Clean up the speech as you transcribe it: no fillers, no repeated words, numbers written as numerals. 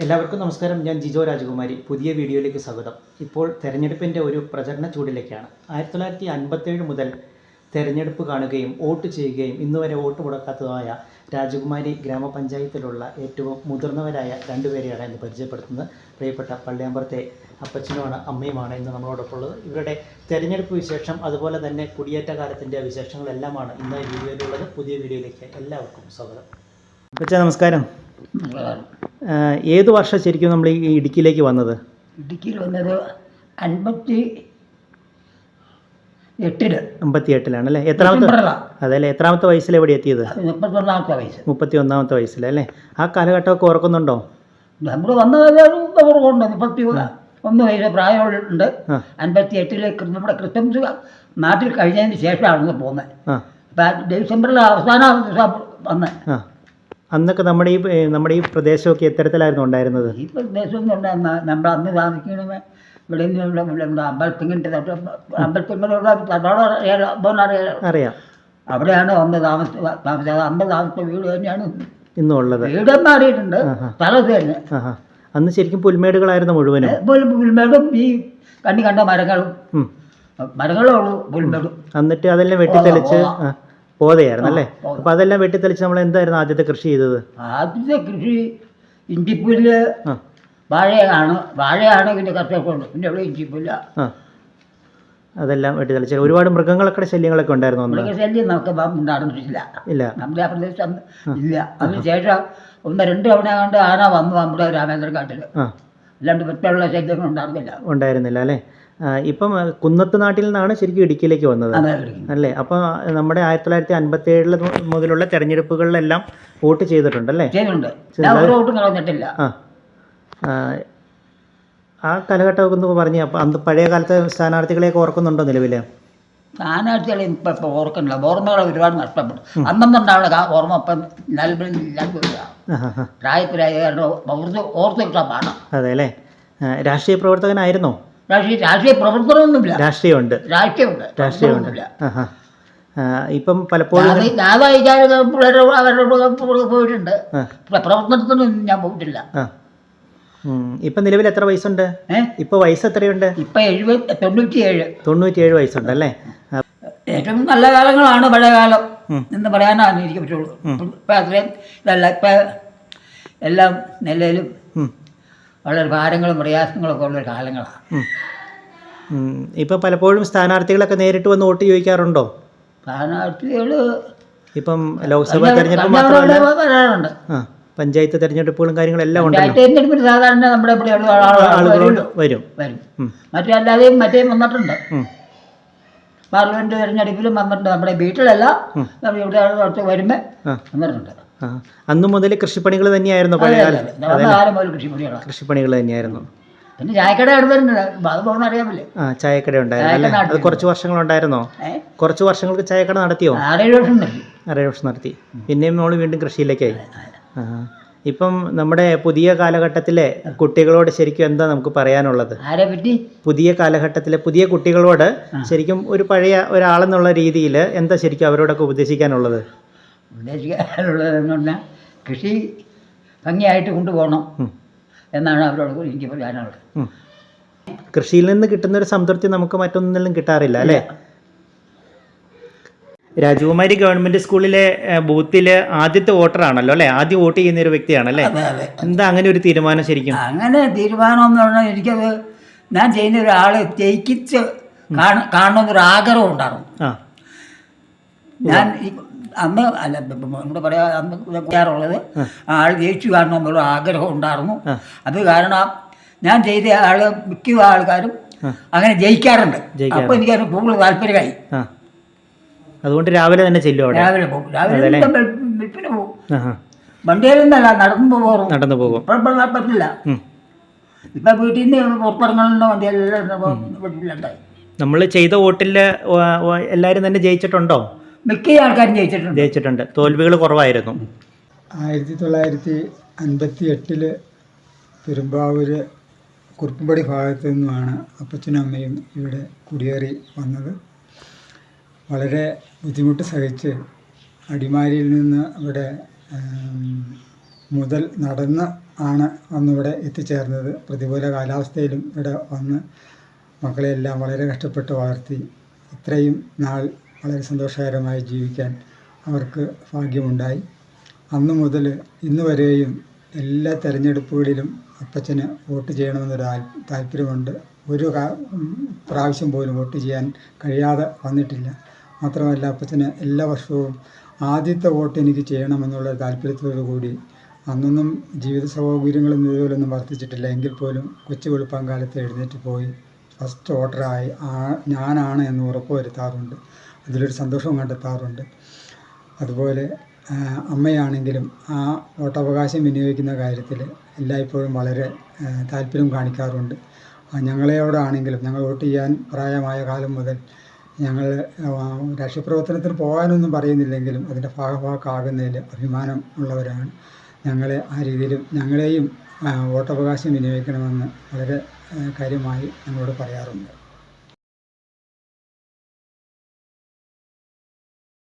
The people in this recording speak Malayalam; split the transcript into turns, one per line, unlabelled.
എല്ലാവർക്കും നമസ്കാരം. ഞാൻ ജിജോ രാജകുമാരി. പുതിയ വീഡിയോയിലേക്ക് സ്വാഗതം. ഇപ്പോൾ തെരഞ്ഞെടുപ്പിൻ്റെ ഒരു പ്രചരണ ചൂടിലേക്കാണ്. 1957 മുതൽ തെരഞ്ഞെടുപ്പ് കാണുകയും വോട്ട് ചെയ്യുകയും ഇന്നുവരെ വോട്ട് മുടക്കാത്തതായ രാജകുമാരി ഗ്രാമപഞ്ചായത്തിലുള്ള ഏറ്റവും മുതിർന്നവരായ രണ്ടുപേരെയാണ് ഇന്ന് പരിചയപ്പെടുത്തുന്നത്. പ്രിയപ്പെട്ട പള്ളിയാമ്പറത്തെ അപ്പച്ചനുമാണ് അമ്മയുമാണ് ഇന്ന് നമ്മളോടൊപ്പമുള്ളത്. ഇവരുടെ തെരഞ്ഞെടുപ്പ് വിശേഷം അതുപോലെ തന്നെ കുടിയേറ്റ കാലത്തിൻ്റെ വിശേഷങ്ങളെല്ലാമാണ് ഇന്ന് ഈ വീഡിയോയിലുള്ളത്. പുതിയ വീഡിയോയിലേക്ക് എല്ലാവർക്കും സ്വാഗതം. അപ്പച്ച നമസ്കാരം. ഏത് വർഷം ശരിക്കും നമ്മൾ ഈ ഇടുക്കിയിലേക്ക് വന്നത്?
ഇടുക്കിയിൽ വന്നത് 58-ലാണല്ലേ? അതല്ലേ എത്രാമത്തെ വയസ്സിൽ എവിടെ എത്തിയത്? 31-ാമത്തെ വയസ്സിലല്ലേ? ആ കാലഘട്ടമൊക്കെ ഓർക്കുന്നുണ്ടോ? നമ്മൾ വന്നത് 31 വയസ്സ് പ്രായമുണ്ട്. 58 നമ്മുടെ ക്രിസ്മസ് നാട്ടിൽ കഴിഞ്ഞതിന് ശേഷമാണ് പോകുന്നത്. അപ്പം ഡിസംബറിൽ അവസാന ദിവസം വന്നത്.
അന്നൊക്കെ നമ്മുടെ ഈ പ്രദേശമൊക്കെ എത്തരത്തിലായിരുന്നു ഉണ്ടായിരുന്നത്?
ഈ പ്രദേശം നമ്മൾ അന്ന് താമസിക്കണമേ ഇവിടെ നിന്ന് അമ്പലത്തിങ്ങിൻ്റെ
അറിയാം.
അവിടെയാണ് വന്ന് താമസിച്ചത്. അന്ന് താമസിച്ച വീട് തന്നെയാണ്
ഇന്നുള്ളത്.
വീട് മാറിയിട്ടുണ്ട്, സ്ഥലത്ത് തന്നെ.
അന്ന് ശരിക്കും പുൽമേടുകളായിരുന്നു മുഴുവനും.
പുൽമേടും ഈ കണ്ട മരങ്ങളേ ഉള്ളൂ പുൽമേടും.
എന്നിട്ട് അതെല്ലാം വെട്ടിത്തെളിച്ച് പോതയായിരുന്നു അല്ലേ? അപ്പം അതെല്ലാം വെട്ടിത്തെളിച്ച് നമ്മൾ എന്തായിരുന്നു ആദ്യത്തെ കൃഷി ചെയ്തത്?
ആദ്യത്തെ കൃഷി ഇഞ്ചിപ്പുല്ല്, വാഴയാണ് പിന്നെ കർഷകരുണ്ട്. പിന്നെ ഇവിടെ ഇഞ്ചിപ്പുല്ല
അതെല്ലാം വെട്ടിത്തെളിച്ച്. ഒരുപാട് മൃഗങ്ങളൊക്കെ ശല്യങ്ങളൊക്കെ ഉണ്ടായിരുന്നു.
മൃഗശല്യം നമുക്ക് നടന്നിട്ടില്ല. നമ്മുടെ ആ പ്രദേശത്ത് ഇല്ല. അതിനുശേഷം 1-2 തവണ കണ്ട് ആന വന്നു നമ്മുടെ രാമേന്ദ്രക്കാട്ടിൽ. അല്ലാണ്ട് മറ്റുള്ള ശല്യങ്ങൾ
ഉണ്ടായിരുന്നില്ല അല്ലേ? ഇപ്പം കുന്നത്ത് നാട്ടിൽ നിന്നാണ് ശരിക്കും ഇടുക്കിയിലേക്ക് വന്നത് അല്ലേ? അപ്പോൾ നമ്മുടെ 1957 മുതലുള്ള തെരഞ്ഞെടുപ്പുകളിലെല്ലാം വോട്ട് ചെയ്തിട്ടുണ്ടല്ലേ? ആ കാലഘട്ടമൊക്കെ ഒന്ന് പറഞ്ഞ്. അപ്പം അന്ന് പഴയ കാലത്തെ സ്ഥാനാർത്ഥികളെയൊക്കെ ഓർക്കുന്നുണ്ടോ നിലവിൽ?
സ്ഥാനാർത്ഥികളെ ഇപ്പം ഓർക്കുന്നില്ല. ഓർമ്മകൾ ഒരുപാട് നഷ്ടപ്പെട്ടു. അന്നുണ്ടാവുന്ന ഓർമ്മ ഇപ്പം പ്രായത്തിലായ ഓർത്ത് കിട്ടാൻ പാടാം.
അതെ അല്ലേ? രാഷ്ട്രീയ പ്രവർത്തകനായിരുന്നോ?
രാഷ്ട്രീയ പ്രവർത്തനമൊന്നുമില്ല.
രാഷ്ട്രീയമുണ്ട്. ഇപ്പം പലപ്പോഴും
പോയിട്ടുണ്ട്. പ്രവർത്തനത്തിനൊന്നും ഞാൻ പോയിട്ടില്ല.
ഇപ്പം നിലവിൽ എത്ര വയസ്സുണ്ട്? ഇപ്പൊ വയസ്സ് എത്രയുണ്ട്?
ഇപ്പൊ
97 വയസ്സുണ്ട് അല്ലേ?
ഏറ്റവും നല്ല കാലങ്ങളാണ് പഴയ കാലം എന്ന് പറയാനാണ് എനിക്ക് പറ്റുള്ളൂ. ഇപ്പം അത്രയും ഇതല്ല. ഇപ്പം എല്ലാം നിലയിലും വളരെ ഭാരങ്ങളും പ്രയാസങ്ങളൊക്കെ ഉള്ള കാലങ്ങളാണ്.
ഇപ്പം പലപ്പോഴും സ്ഥാനാർത്ഥികളൊക്കെ നേരിട്ട് വന്ന് വോട്ട് ചോദിക്കാറുണ്ടോ?
സ്ഥാനാർത്ഥികൾ
ഇപ്പം ലോക്സഭാ തെരഞ്ഞെടുപ്പ് മാത്രമല്ല പഞ്ചായത്ത് തെരഞ്ഞെടുപ്പുകളും കാര്യങ്ങളെല്ലാം ഉണ്ട്.
തെരഞ്ഞെടുപ്പിന് സാധാരണ നമ്മുടെ
ആളുകളോട് വരും.
മറ്റല്ലാതെയും വന്നിട്ടുണ്ട്. പാർലമെന്റ് തെരഞ്ഞെടുപ്പിലും വന്നിട്ടുണ്ട്. നമ്മുടെ വീട്ടിലല്ല, ഇവിടെ വരുമ്പോൾ വന്നിട്ടുണ്ട്.
അന്നു മുതൽ കൃഷിപ്പണികൾ തന്നെയായിരുന്നു പഴയ കാലം? കൃഷിപ്പണികൾ തന്നെയായിരുന്നു.
പിന്നെ ചായക്കട അടുത്തുണ്ട്, അത് പോകുന്ന അറിയാമല്ലേ?
ചായക്കട ഉണ്ടായിരുന്നു. അത് കുറച്ച് വർഷങ്ങളുണ്ടായിരുന്നോ? കുറച്ച് വർഷങ്ങൾക്ക് ചായക്കട നടത്തിയോ? 6 വർഷം നടത്തി. പിന്നെയും നമ്മൾ വീണ്ടും കൃഷിയിലേക്കായി. ഇപ്പം നമ്മുടെ പുതിയ കാലഘട്ടത്തിലെ കുട്ടികളോട് ശരിക്കും എന്താ നമുക്ക് പറയാനുള്ളത്? പുതിയ കാലഘട്ടത്തിലെ പുതിയ കുട്ടികളോട് ശരിക്കും ഒരു പഴയ ഒരാളെന്നുള്ള രീതിയിൽ എന്താ ശരിക്കും അവരോടൊക്കെ ഉപദേശിക്കാനുള്ളതെന്ന്
പറഞ്ഞാൽ കൃഷി ഭംഗിയായിട്ട് കൊണ്ടുപോകണം എന്നാണ് അവരോട് എനിക്ക് പറയാനുള്ളത്.
കൃഷിയിൽ നിന്ന് കിട്ടുന്നൊരു സംതൃപ്തി നമുക്ക് മറ്റൊന്നിലും കിട്ടാറില്ല അല്ലേ? രാജകുമാരി ഗവൺമെന്റ് സ്കൂളിലെ ബൂത്തില് ആദ്യത്തെ വോട്ടറാണല്ലോ അല്ലേ? ആദ്യം വോട്ട് ചെയ്യുന്ന ഒരു വ്യക്തിയാണല്ലേ? എന്താ അങ്ങനെ ഒരു തീരുമാനം? ശരിക്കും
അങ്ങനെ തീരുമാനം എന്ന് പറഞ്ഞാൽ എനിക്കത് ഞാൻ ചെയ്യുന്ന ഒരാളെ ജയിക്കിച്ച് കാണണമെന്നൊരു ആഗ്രഹം ഉണ്ടാകും. ഞാൻ അന്ന് അല്ല നമ്മുടെ പറയാ അന്ന് ചെയ്യാറുള്ളത് ആൾ ജയിച്ചു കാണണമെന്നുള്ള ആഗ്രഹം ഉണ്ടായിരുന്നു. അത് കാരണം ഞാൻ ചെയ്ത ആള് മിക്ക ആൾക്കാരും അങ്ങനെ ജയിക്കാറുണ്ട്. അപ്പോൾ എനിക്കത് കൂടുതൽ താല്പര്യമായി.
അതുകൊണ്ട് രാവിലെ തന്നെ ചെല്ലും.
രാവിലെ പോകും. വെളുപ്പിന് പോകും. വണ്ടിയിലൊന്നല്ല, നടന്നു പോകും. പറ്റില്ല. ഇപ്പം വീട്ടിൽ നിന്ന് പുറത്തിറങ്ങുന്ന വണ്ടിയെല്ലാം വീട്ടിലുണ്ടായി.
നമ്മൾ ചെയ്ത വോട്ടിൽ എല്ലാവരും തന്നെ ജയിച്ചിട്ടുണ്ടോ?
മിക്ക ആൾക്കാരും ജയിച്ചിട്ടുണ്ട്.
തോൽവികൾ കുറവായിരുന്നു.
1958 പെരുമ്പാവൂര് കുറുപ്പുംപടി ഭാഗത്തു നിന്നുമാണ് അപ്പച്ചനും അമ്മയും ഇവിടെ കുടിയേറി വന്നത്. വളരെ ബുദ്ധിമുട്ട് സഹിച്ച് അടിമാലിയിൽ നിന്ന് അവിടെ മുതൽ നടന്ന് ആണ് അന്നിവിടെ എത്തിച്ചേർന്നത്. പ്രതികൂല കാലാവസ്ഥയിലും ഇവിടെ വന്ന് മക്കളെയെല്ലാം വളരെ കഷ്ടപ്പെട്ട് വളർത്തി ഇത്രയും നാൾ വളരെ സന്തോഷകരമായി ജീവിക്കാൻ അവർക്ക് ഭാഗ്യമുണ്ടായി. അന്നു മുതൽ ഇന്ന് വരെയും എല്ലാ തെരഞ്ഞെടുപ്പുകളിലും അപ്പച്ചന് വോട്ട് ചെയ്യണമെന്നൊരു താല്പര്യമുണ്ട്. ഒരു പ്രാവശ്യം പോലും വോട്ട് ചെയ്യാൻ കഴിയാതെ വന്നിട്ടില്ല. മാത്രമല്ല അപ്പച്ചന് എല്ലാ വർഷവും ആദ്യത്തെ വോട്ട് എനിക്ക് ചെയ്യണമെന്നുള്ള താല്പര്യത്തോടു കൂടി അന്നൊന്നും ജീവിത സൗകര്യങ്ങളും ഇതുപോലൊന്നും വർദ്ധിച്ചിട്ടില്ല. എങ്കിൽ പോലും കൊച്ചു വെളുപ്പം കാലത്ത് എഴുന്നേറ്റ് പോയി ഫസ്റ്റ് വോട്ടറായി ഞാനാണ് എന്ന് ഉറപ്പ് വരുത്താറുണ്ട്. അതിലൊരു സന്തോഷവും കണ്ടെത്താറുണ്ട്. അതുപോലെ അമ്മയാണെങ്കിലും ആ വോട്ടവകാശം വിനിയോഗിക്കുന്ന കാര്യത്തിൽ എല്ലായ്പ്പോഴും വളരെ താല്പര്യം കാണിക്കാറുണ്ട്. ഞങ്ങളോടാണെങ്കിലും ഞങ്ങൾ വോട്ട് ചെയ്യാൻ പ്രായമായ കാലം മുതൽ ഞങ്ങൾ രാഷ്ട്രീയ പ്രവർത്തനത്തിന് പോകാനൊന്നും പറയുന്നില്ലെങ്കിലും അതിൻ്റെ ഭാഗമാകാകുന്നതിൽ അഭിമാനം ഉള്ളവരാണ്. ഞങ്ങളെ ആ രീതിയിലും ഞങ്ങളെയും വോട്ടവകാശം വിനിയോഗിക്കണമെന്ന് വളരെ കാര്യമായി ഞങ്ങളോട് പറയാറുണ്ട്.